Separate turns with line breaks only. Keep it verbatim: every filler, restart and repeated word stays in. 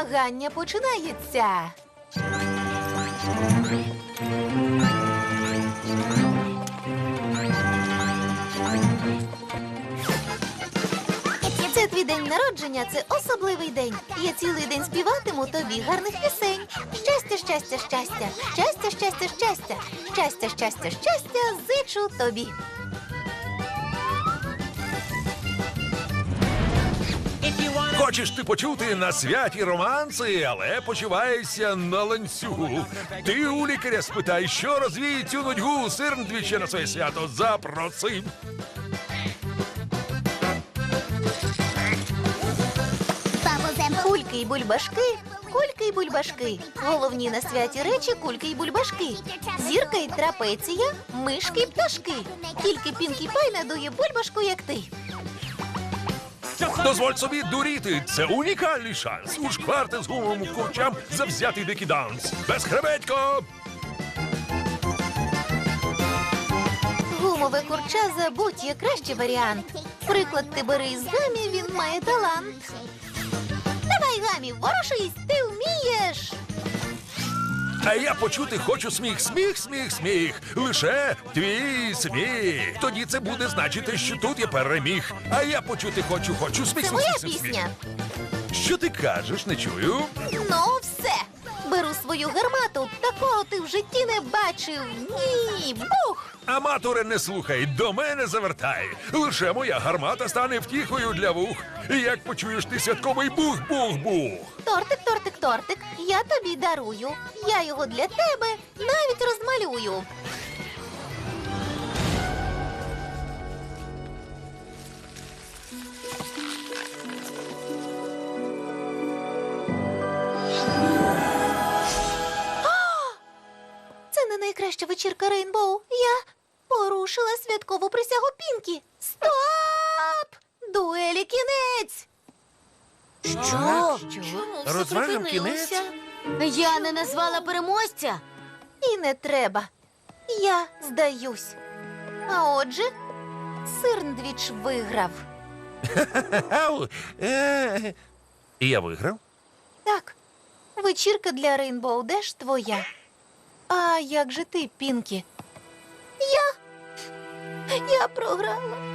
Змагання починається. Це твій день народження, це особливий день. Я цілий день співатиму тобі гарних пісень. Щастя, щастя, щастя, щастя, щастя, щастя, щастя, щастя, щастя, зичу тобі.
Хочеш ти почути на святі романси, але почуваєшся на ланцюгу. Ти у лікаря спитай, що розвіє цю нудьгу. Сирндвіча на своє свято запроси.
Кульки й бульбашки, кульки й бульбашки. Головні на святі речі кульки й бульбашки. Зірка й трапеція, мишки й пташки. Тільки Пінкі Пай надує бульбашку, як ти.
Дозволь собі дуріти. Це унікальний шанс. Ушкварти з гумовим курчам завзятий дикий данс. Безхребетько!
Гумове курча забудь, є кращий варіант. Приклад ти бери із Гамі, він має талант. Давай, Гамі, ворушись, ти вмієш.
А я почути хочу сміх, сміх, сміх, сміх. Лише твій сміх. Тоді це буде значити, що тут я переміг. А я почути хочу, хочу сміх,
Це
сміх,
моя
сміх, сміх.
пісня.
Що ти кажеш, не чую?
Ну, все. Беру свою гармату, такого ти в житті не бачив. Ні, бух!
Аматоре, не слухай, до мене завертай. Лише моя гармата стане втіхою для вух. І як почуєш ти святковий бух-бух-бух.
Тортик, тортик, тортик, я тобі дарую. Я його для тебе навіть розмалюю. Це не найкраща вечірка Рейнбоу. Я порушила святкову присягу Пінкі. Стоп! Дуелі кінець!
Що?
Розвагам кінець?
Я не назвала переможця.
І не треба. Я здаюсь. А отже, Сирндвіч виграв.
Ау, е, І я виграв?
Так, вечірка для Рейнбоу Деш твоя. А як же ти, Пінкі? Я... Я програла.